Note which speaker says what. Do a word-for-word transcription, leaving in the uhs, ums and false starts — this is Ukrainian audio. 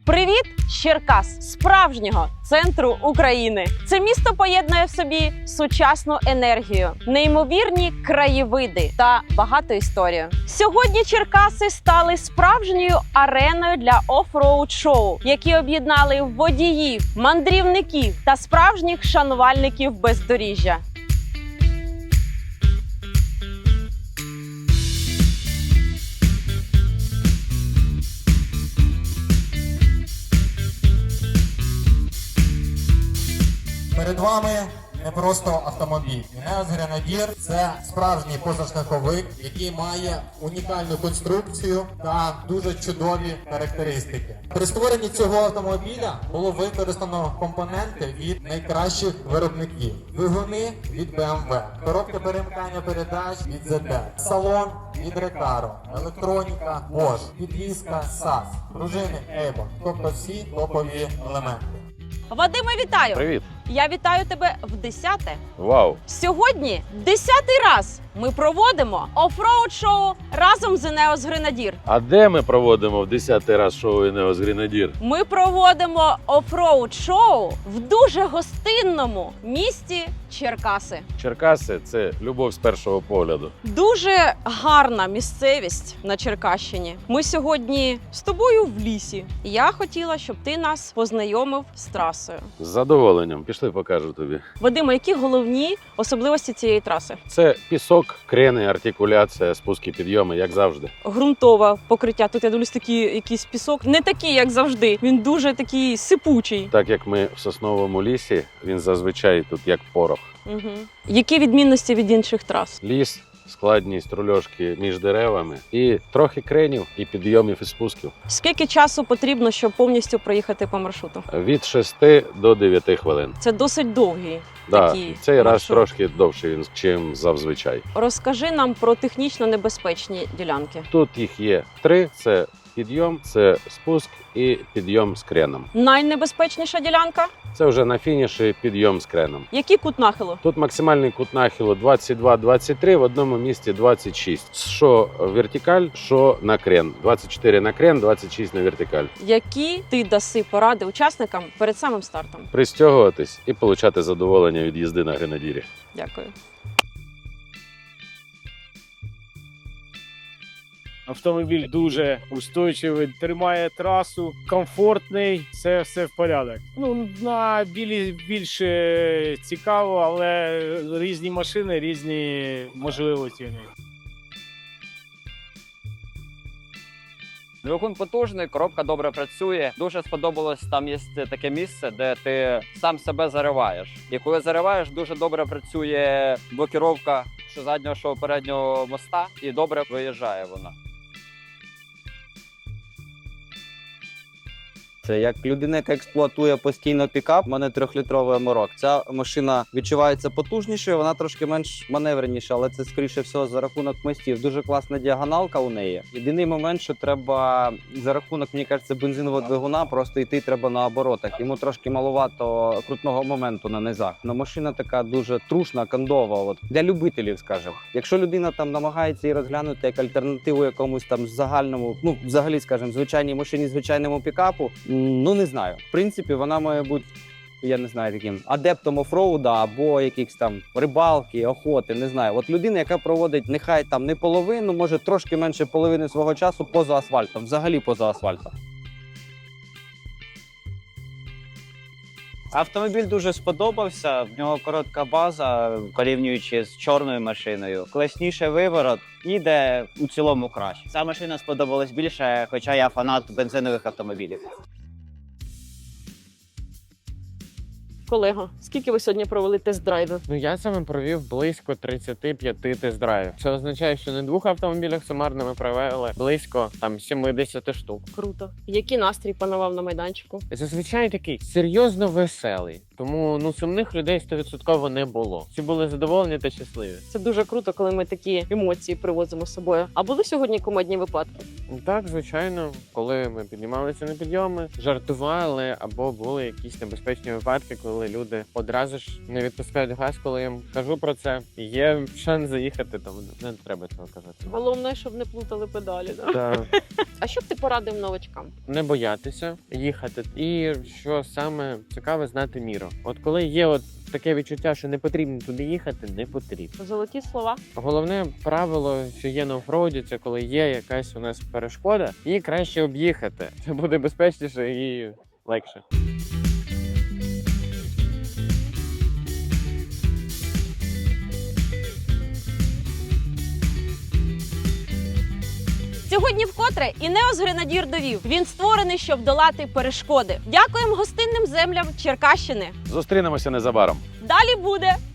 Speaker 1: Привіт, з Черкас, справжнього центру України. Це місто поєднує в собі сучасну енергію, неймовірні краєвиди та багату історію. Сьогодні Черкаси стали справжньою ареною для оффроуд шоу, які об'єднали водіїв, мандрівників та справжніх шанувальників бездоріжжя.
Speaker 2: Перед вами не просто автомобіль. Енеос Гренадір – це справжній позашляховик, який має унікальну конструкцію та дуже чудові характеристики. При створенні цього автомобіля було використано компоненти від найкращих виробників. Двигуни від бе ем ве, коробка перемикання передач від зет те, салон від Recaro, електроніка Bosch, підвізка сас, пружини Avon, тобто всі топові елементи.
Speaker 1: Вадиме, вітаю!
Speaker 3: Привіт!
Speaker 1: Я вітаю тебе в десяте.
Speaker 3: Вау!
Speaker 1: Сьогодні десятий раз ми проводимо оффроуд-шоу разом з Енеос Гренадір.
Speaker 3: А де ми проводимо в десятий раз шоу Енеос Гренадір?
Speaker 1: Ми проводимо оффроуд-шоу в дуже гостинному місті Черкаси.
Speaker 3: Черкаси – це любов з першого погляду.
Speaker 1: Дуже гарна місцевість на Черкащині. Ми сьогодні з тобою в лісі. Я хотіла, щоб ти нас познайомив з трасою.
Speaker 3: З задоволенням. Пішли, покажу тобі.
Speaker 1: Вадиме, які головні особливості цієї траси?
Speaker 3: Це пісок, крени, артикуляція, спуски, підйоми, як завжди.
Speaker 1: Ґрунтове покриття. Тут я дивлюсь, такий якийсь пісок. Не такий, як завжди. Він дуже такий сипучий.
Speaker 3: Так як ми в сосновому лісі, він зазвичай тут як порох.
Speaker 1: Угу. Які відмінності від інших трас?
Speaker 3: Ліс, складність рульошки між деревами і трохи кренів, і підйомів, і спусків.
Speaker 1: Скільки часу потрібно, щоб повністю проїхати по маршруту?
Speaker 3: Від шести до дев'яти хвилин.
Speaker 1: Це досить довгий.
Speaker 3: Да,
Speaker 1: Такі
Speaker 3: цей раз
Speaker 1: маршрут.
Speaker 3: трошки довший, ніж зазвичай.
Speaker 1: Розкажи нам про технічно небезпечні ділянки.
Speaker 3: Тут їх є три. Це підйом, це спуск і підйом з креном.
Speaker 1: Найнебезпечніша ділянка?
Speaker 3: Це вже на фініші підйом з креном.
Speaker 1: Який кут нахилу?
Speaker 3: Тут максимальний кут нахилу двадцять два - двадцять три, в одному місці двадцять шість. Що вертикаль, що на крен. двадцять чотири на крен, двадцять шість на вертикаль.
Speaker 1: Які ти даси поради учасникам перед самим стартом?
Speaker 3: Пристягуватись і отримати задоволення від їзди на Гренадірі.
Speaker 1: Дякую.
Speaker 4: Автомобіль дуже устойчивий, тримає трасу, комфортний, це все в порядок. Ну, на білі більше цікаво, але різні машини, різні можливості.
Speaker 5: Двигун потужний, коробка добре працює. Дуже сподобалось, там є таке місце, де ти сам себе зариваєш. І коли зариваєш, дуже добре працює блокіровка що заднього, що переднього моста, і добре виїжджає вона.
Speaker 6: Це як людина, яка експлуатує постійно пікап, у мене трьохлітровий аморок. Ця машина відчувається потужнішою, вона трошки менш маневреніша, але це, скоріше всього, за рахунок мостів. Дуже класна діагоналка у неї. Єдиний момент, що треба за рахунок, мені кажеться, бензинового двигуна просто йти треба на оборотах. Йому трошки маловато крутного моменту на низах. Но машина така дуже трушна, кондова, от для любителів, скажімо. Якщо людина там намагається її розглянути як альтернативу якомусь там загальному, ну, взагалі, скажімо, звичайній машині, звичайному пікапу, ну, не знаю. В принципі, вона має бути, я не знаю, таким адептом офроуда або якихось там рибалки, охоти, не знаю. От людина, яка проводить нехай там не половину, може трошки менше половини свого часу поза асфальтом, взагалі поза асфальтом.
Speaker 7: Автомобіль дуже сподобався, в нього коротка база, порівнюючи з чорною машиною. Класніше виворот, їде у цілому краще. Ця машина сподобалась більше, хоча я фанат бензинових автомобілів.
Speaker 1: Колего, скільки ви сьогодні провели тест-драйвів?
Speaker 8: Ну, я саме провів близько тридцяти п'яти тест-драйвів. Це означає, що на двох автомобілях сумарно ми провели близько там сімдесят штук.
Speaker 1: Круто. Який настрій панував на майданчику?
Speaker 8: Зазвичай такий серйозно веселий. Тому ну сумних людей сто відсотків не було. Всі були задоволені та щасливі.
Speaker 1: Це дуже круто, коли ми такі емоції привозимо з собою. А були сьогодні кумедні випадки?
Speaker 8: Так, звичайно, коли ми піднімалися на підйоми, жартували або були якісь небезпечні випадки, коли люди одразу ж не відпускають газ, коли я їм кажу про це. Є шанс заїхати, тому не треба цього казати.
Speaker 1: Головне, щоб не плутали педалі. Да?
Speaker 8: Та
Speaker 1: А що б ти порадив новачкам?
Speaker 8: не боятися їхати. І що саме цікаве, знати міру. От коли є от таке відчуття, що не потрібно туди їхати, не потрібно.
Speaker 1: Золоті слова.
Speaker 8: Головне правило, що є на офроуді, це коли є якась у нас перешкода, її краще об'їхати. Це буде безпечніше і легше.
Speaker 1: Сьогодні вкотре Інеос Гренадір довів. Він створений, щоб долати перешкоди. Дякуємо гостинним землям Черкащини.
Speaker 3: Зустрінемося незабаром.
Speaker 1: Далі буде.